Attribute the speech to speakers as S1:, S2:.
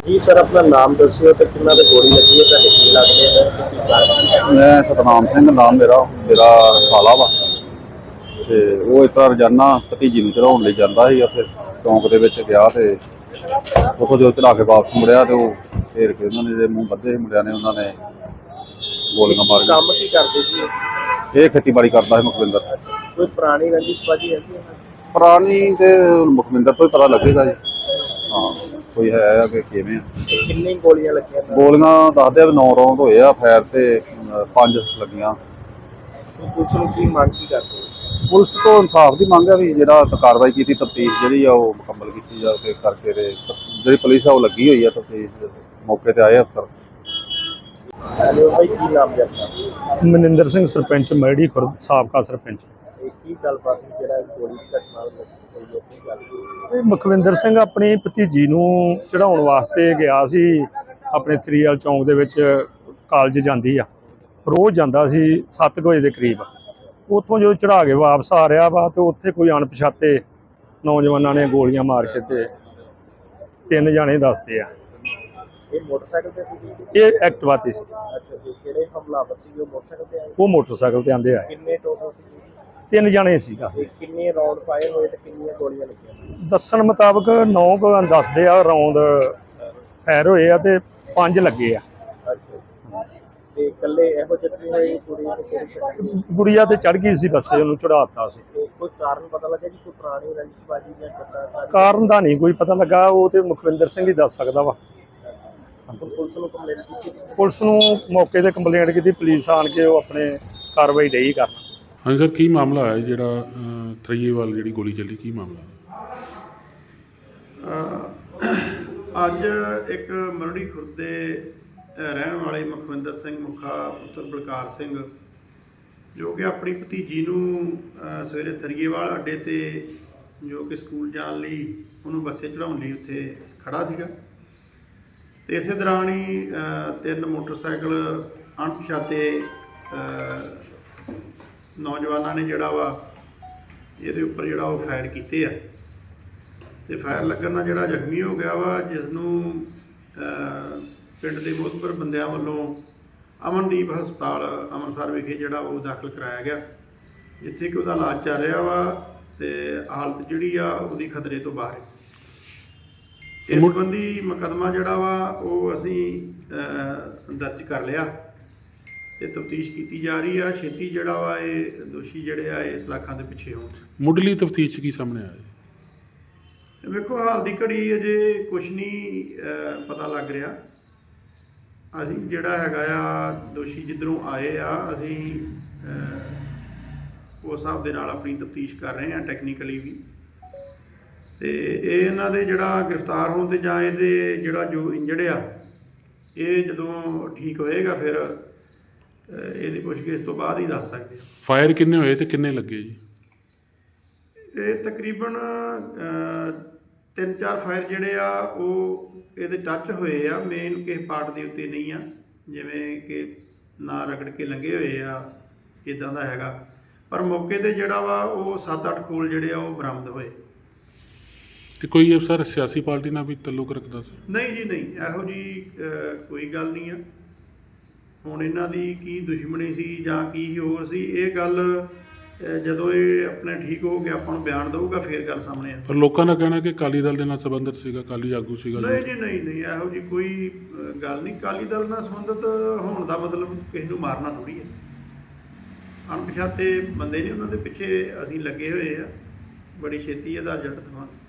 S1: ਜੀ ਸਰ, ਆਪਣਾ ਨਾਮ ਦੱਸਿਓ ਤੇ ਕਿੰਨਾ ਦੇ ਗੋਲੀ ਲੱਗੀ ਹੈ, ਤੁਹਾਡੇ ਕੀ ਲੱਗਦੇ ਨੇ ਤੇ ਕੀ ਕਾਰਨ?
S2: ਮੈਂ ਸਤਨਾਮ ਸਿੰਘ ਨਾਮ ਮੇਰਾ ਸਾਲਾ ਵਾ। ਤੇ ਉਹ ਇਸ ਤਰ੍ਹਾਂ ਰੋਜ਼ਾਨਾ ਭਤੀਜੀ ਨੂੰ ਚੜਾਉਣ ਲਈ ਜਾਂਦਾ ਸੀ। ਉੱਥੇ ਚੌਂਕ ਦੇ ਵਿੱਚ ਗਿਆ ਤੇ ਉੱਥੋਂ ਜਦੋਂ ਚੜਾ ਕੇ ਵਾਪਸ ਮੁੜਿਆ ਤੇ ਉਹ ਘੇਰ ਕੇ ਉਹਨਾਂ ਨੇ ਜਿਹੜੇ ਮੂੰਹ ਬੱਧੇ ਸੀ ਮੁੰਡਿਆਂ ਨੇ, ਉਹਨਾਂ ਨੇ ਗੋਲੀਆਂ ਮਾਰ ਕੇ।
S1: ਕੰਮ ਕੀ ਕਰਦੇ ਜੀ ਇਹ?
S2: ਇਹ ਖੇਤੀਬਾੜੀ ਕਰਦਾ ਸੀ ਮੁਖਵਿੰਦਰ।
S1: ਕੋਈ ਪੁਰਾਣੀ ਰੰਜਿਸ਼ਬਾਜੀ ਹੈਗੀ ਹੈ?
S2: ਪੁਰਾਣੀ ਤੇ ਮੁਖਵਿੰਦਰ ਤੋਂ ਹੀ ਪਤਾ ਲੱਗੇਗਾ ਜੀ। ਹਾਂ, ਕੋਈ ਹੈ ਆ ਕਿ ਕਿਵੇਂ ਆ।
S1: ਕਿੰਨੀ ਗੋਲੀਆਂ ਲੱਗੀਆਂ ਨੇ?
S2: ਗੋਲੀਆਂ ਦੱਸਦੇ ਆ ਵੀ 9 ਰੌਂਦ ਹੋਏ ਆ ਫਾਇਰ ਤੇ 5 ਲੱਗੀਆਂ।
S1: ਪੁਲਿਸ ਨੂੰ ਕੀ ਮੰਗ ਕੀ ਕਰਦੇ ਹੋ?
S2: ਪੁਲਿਸ ਤੋਂ ਇਨਸਾਫ ਦੀ ਮੰਗ ਹੈ ਵੀ ਜਿਹੜਾ ਕਾਰਵਾਈ ਕੀਤੀ, ਤਫਤੀਸ਼ ਜਿਹੜੀ ਆ ਉਹ ਮੁਕੰਮਲ ਕੀਤੀ ਜਾਵੇ ਕਰਕੇ। ਤੇ ਜਿਹੜੀ ਪੁਲਿਸ ਆ ਉਹ ਲੱਗੀ ਹੋਈ ਆ ਤਫਤੀਸ਼, ਮੌਕੇ ਤੇ ਆਏ ਅਫਸਰ।
S1: ਹੈਲੋ ਭਾਈ, ਕੀ ਨਾਮ ਹੈ ਆਪਣਾ?
S3: ਮਨਿੰਦਰ ਸਿੰਘ, ਸਰਪੰਚ ਮੈੜੀ ਖੁਰਦ, ਸਾਬਕਾ ਸਰਪੰਚ।
S1: ਇਹ ਕੀ ਗੱਲਬਾਤ ਹੋਈ ਜਿਹੜਾ ਗੋਲੀ ਦੀ ਘਟਨਾ ਹੋਈ ਹੈ, ਕੀ ਗੱਲ?
S3: ਇਹ ਮੁਖਵਿੰਦਰ ਸਿੰਘ ਆਪਣੀ ਭਤੀਜੀ ਨੂੰ ਚੜਾਉਣ ਵਾਸਤੇ ਗਿਆ ਸੀ। ਆਪਣੇ ਥਰੀਵਾਲ ਚੌਂਕ ਦੇ ਵਿੱਚ ਕਾਲਜ ਜਾਂਦੀ ਆ, ਰੋਜ਼ ਜਾਂਦਾ ਸੀ 7 ਵਜੇ ਦੇ ਕਰੀਬ। ਉੱਥੋਂ ਜਦੋਂ ਚੜਾ ਕੇ ਵਾਪਸ ਆ ਰਿਹਾ ਵਾ ਤੇ ਉੱਥੇ ਕੋਈ ਅਣਪਛਾਤੇ ਨੌਜਵਾਨਾਂ ਨੇ ਗੋਲੀਆਂ ਮਾਰ ਕੇ ਤੇ 3 ਜਾਣੇ ਦੱਸਦੇ ਆ।
S1: ਇਹ ਮੋਟਰਸਾਈਕਲ ਤੇ ਸੀ?
S3: ਇਹ ਐਕਟਿਵਾ ਤੇ ਸੀ।
S1: ਅੱਛਾ ਜੀ, ਕਿਹੜੇ ਹਮਲਾਵਰ ਸੀ? ਉਹ ਮੋਟਰਸਾਈਕਲ ਤੇ ਆਏ?
S3: ਉਹ ਮੋਟਰਸਾਈਕਲ ਤੇ ਆਂਦੇ ਆਏ।
S1: ਕਿੰਨੇ ਟੋਟਲ ਸੀ?
S3: 3 ਜਾਣੇ ਸੀ।
S1: ਤੇ ਕਿੰਨੇ ਰਾਉਂਡ ਫਾਇਰ ਹੋਏ ਤੇ ਕਿੰਨੀਆਂ ਗੋਲੀਆਂ ਲੱਗੀਆਂ?
S3: ਦੱਸਣ ਮੁਤਾਬਕ 9 ਦੱਸਦੇ ਆ ਰੌਂਦ ਫਾਇਰ ਹੋਏ ਆ ਤੇ 5 ਲੱਗੇ ਆ।
S1: ਅੱਛਾ, ਤੇ ਇਕੱਲੇ ਇਹੋ ਜਿਹੇ ਹੋਏ ਕੁੜੀ ਤੇ ਕਿਹੜੀ?
S3: ਗੁੜੀਆ ਤੇ ਚੜ ਗਈ ਸੀ ਬੱਸੇ, ਉਹਨੂੰ ਚੜਾਤਾ ਸੀ।
S1: ਤੇ ਕੋਈ ਕਾਰਨ ਪਤਾ ਲੱਗਾ ਜੀ? ਕੋਈ ਪੁਰਾਣੀ ਰੰਜਿਸ਼ਬਾਜੀ ਜਾਂ ਕਿੱਦਾਂ?
S3: ਕਾਰਨ ਦਾ ਨਹੀਂ ਕੋਈ ਪਤਾ ਲੱਗਾ, ਉਹ ਤੇ ਮੁਖਵਿੰਦਰ ਸਿੰਘ ਹੀ ਦੱਸ ਸਕਦਾ ਵਾ।
S1: ਪੁਲਿਸ ਨੂੰ ਕੰਪਲੇਂਟ ਕੀਤੀ?
S3: ਪੁਲਿਸ ਨੂੰ ਮੌਕੇ ਤੇ ਕੰਪਲੇਂਟ ਕੀਤੀ, ਪੁਲਿਸ ਆਣ ਕੇ ਉਹ ਆਪਣੇ ਕਾਰਵਾਈ ਡਈ ਕਰਨ।
S4: ਹਾਂਜੀ ਸਰ, ਕੀ ਮਾਮਲਾ ਹੈ ਜਿਹੜਾ ਥਰੀਏਵਾਲ ਜਿਹੜੀ ਗੋਲੀ ਚੱਲੀ, ਕੀ ਮਾਮਲਾ?
S5: ਅੱਜ ਇੱਕ ਮਰੜੀ ਖੁਰਦ ਦੇ ਰਹਿਣ ਵਾਲੇ ਮੁਖਵਿੰਦਰ ਸਿੰਘ ਮੁਖਾ ਪੁੱਤਰ ਬਲਕਾਰ ਸਿੰਘ, ਜੋ ਕਿ ਆਪਣੀ ਭਤੀਜੀ ਨੂੰ ਸਵੇਰੇ ਥਰੀਏਵਾਲ ਅੱਡੇ ਤੇ ਜੋ ਕਿ ਸਕੂਲ ਜਾਣ ਲਈ ਉਹਨੂੰ ਬੱਸੇ ਚੜਾਉਣ ਲਈ ਉੱਥੇ ਖੜਾ ਸੀਗਾ। ਤੇ ਇਸੇ ਦੌਰਾਨ ਹੀ 3 ਮੋਟਰਸਾਈਕਲ ਅਣਪਛਾਤੇ ਨੌਜਵਾਨਾਂ ਨੇ ਜਿਹੜਾ ਵਾ ਇਹਦੇ ਉੱਪਰ ਜਿਹੜਾ ਉਹ ਫਾਇਰ ਕੀਤੇ ਆ। ਤੇ ਫਾਇਰ ਲੱਗਣ ਨਾਲ ਜਿਹੜਾ ਜ਼ਖਮੀ ਹੋ ਗਿਆ ਵਾ, ਜਿਸ ਨੂੰ ਪਿੰਡ ਦੇ ਮੋਹਤਬਰ ਬੰਦਿਆਂ ਵੱਲੋਂ ਅਮਨਦੀਪ ਹਸਪਤਾਲ ਅੰਮ੍ਰਿਤਸਰ ਵਿਖੇ ਜਿਹੜਾ ਉਹ ਦਾਖਲ ਕਰਾਇਆ ਗਿਆ, ਜਿੱਥੇ ਕਿ ਉਹਦਾ ਇਲਾਜ ਚੱਲ ਰਿਹਾ ਵਾ ਤੇ ਹਾਲਤ ਜਿਹੜੀ ਆ ਉਹਦੀ ਖਤਰੇ ਤੋਂ ਬਾਹਰ ਹੈ। ਇਸ ਸੰਬੰਧੀ ਮੁਕੱਦਮਾ ਜਿਹੜਾ ਵਾ ਉਹ ਅਸੀਂ ਦਰਜ ਕਰ ਲਿਆ ਤੇ ਤਫਤੀਸ਼ ਕੀਤੀ ਜਾ ਰਹੀ ਆ। ਛੇਤੀ ਜਿਹੜਾ ਵਾ ਇਹ ਦੋਸ਼ੀ ਜਿਹੜੇ ਆ ਇਸ ਲਾਖਾਂ ਦੇ ਪਿੱਛੇ ਹੋਣ।
S4: ਮੁੱਢਲੀ ਤਫਤੀਸ਼ 'ਚ ਕੀ ਸਾਹਮਣੇ ਆਇਆ?
S5: ਵੇਖੋ, ਹਾਲ ਦੀ ਘੜੀ ਅਜੇ ਕੁਛ ਨਹੀਂ ਪਤਾ ਲੱਗ ਰਿਹਾ। ਅਸੀਂ ਜਿਹੜਾ ਹੈਗਾ ਆ ਦੋਸ਼ੀ ਜਿੱਧਰੋਂ ਆਏ ਆ, ਅਸੀਂ ਉਸ ਹਿਸਾਬ ਦੇ ਨਾਲ ਆਪਣੀ ਤਫਤੀਸ਼ ਕਰ ਰਹੇ ਹਾਂ, ਟੈਕਨੀਕਲੀ ਵੀ। ਤੇ ਇਹ ਇਹਨਾਂ ਦੇ ਜਿਹੜਾ ਗ੍ਰਿਫਤਾਰ ਹੋਣ ਤੇ ਜਾਂ ਇਹਦੇ ਜਿਹੜਾ ਜੋ ਇੰਜਰਡ ਆ, ਇਹ ਜਦੋਂ ਠੀਕ ਹੋਏਗਾ ਫਿਰ ਇਹਦੀ ਪੁੱਛਗਿੱਛ ਤੋਂ ਬਾਅਦ ਹੀ ਦੱਸ ਸਕਦੇ ਹਾਂ।
S4: ਫਾਇਰ ਕਿੰਨੇ ਹੋਏ ਤੇ ਕਿੰਨੇ ਲੱਗੇ ਜੀ?
S5: ਇਹ ਤਕਰੀਬਨ 3-4 ਫਾਇਰ ਜਿਹੜੇ ਆ ਉਹ ਇਹਦੇ ਟੱਚ ਹੋਏ ਆ, ਮੇਨ ਕਿਸੇ ਪਾਰਟ ਦੇ ਉੱਤੇ ਨਹੀਂ ਆ, ਜਿਵੇਂ ਕਿ ਨਾ ਰਗੜ ਕੇ ਲੰਘੇ ਹੋਏ ਆ, ਇੱਦਾਂ ਦਾ ਹੈਗਾ। ਪਰ ਮੌਕੇ 'ਤੇ ਜਿਹੜਾ ਵਾ ਉਹ 7-8 ਖੋਲ ਜਿਹੜੇ ਆ ਉਹ ਬਰਾਮਦ ਹੋਏ।
S4: ਤੇ ਕੋਈ ਅਫਸਰ ਸਿਆਸੀ ਪਾਰਟੀ ਨਾਲ ਵੀ ਤਾਲੁਕ ਰੱਖਦਾ ਸੀ?
S5: ਨਹੀਂ ਜੀ, ਨਹੀਂ, ਇਹੋ ਜੀ ਕੋਈ ਗੱਲ ਨਹੀਂ ਆ। ਹੁਣ ਇਹਨਾਂ ਦੀ ਕੀ ਦੁਸ਼ਮਣੀ ਸੀ ਜਾਂ ਕੀ ਹੋਰ ਸੀ, ਇਹ ਗੱਲ ਜਦੋਂ ਇਹ ਆਪਣੇ ਠੀਕ ਹੋ ਕੇ ਆਪਾਂ ਨੂੰ ਬਿਆਨ ਦਊਗਾ ਫਿਰ ਗੱਲ ਸਾਹਮਣੇ ਆ।
S4: ਪਰ ਲੋਕਾਂ ਦਾ ਕਹਿਣਾ ਕਿ ਅਕਾਲੀ ਦਲ ਦੇ ਨਾਲ ਸੰਬੰਧਿਤ ਸੀਗਾ, ਅਕਾਲੀ ਆਗੂ ਸੀਗਾ।
S5: ਨਹੀਂ ਜੀ, ਨਹੀਂ, ਇਹੋ ਜੀ ਕੋਈ ਗੱਲ ਨਹੀਂ। ਅਕਾਲੀ ਦਲ ਨਾਲ ਸੰਬੰਧਿਤ ਹੋਣ ਦਾ ਮਤਲਬ ਕਿਸੇ ਨੂੰ ਮਾਰਨਾ ਥੋੜ੍ਹੀ ਹੈ। ਅਣਪਛਾਤੇ ਬੰਦੇ ਨੇ, ਉਹਨਾਂ ਦੇ ਪਿੱਛੇ ਅਸੀਂ ਲੱਗੇ ਹੋਏ ਆ, ਬੜੀ ਛੇਤੀ ਇਹਦਾ ਰਿਜ਼ਲਟ ਦੇਵਾਂਗੇ।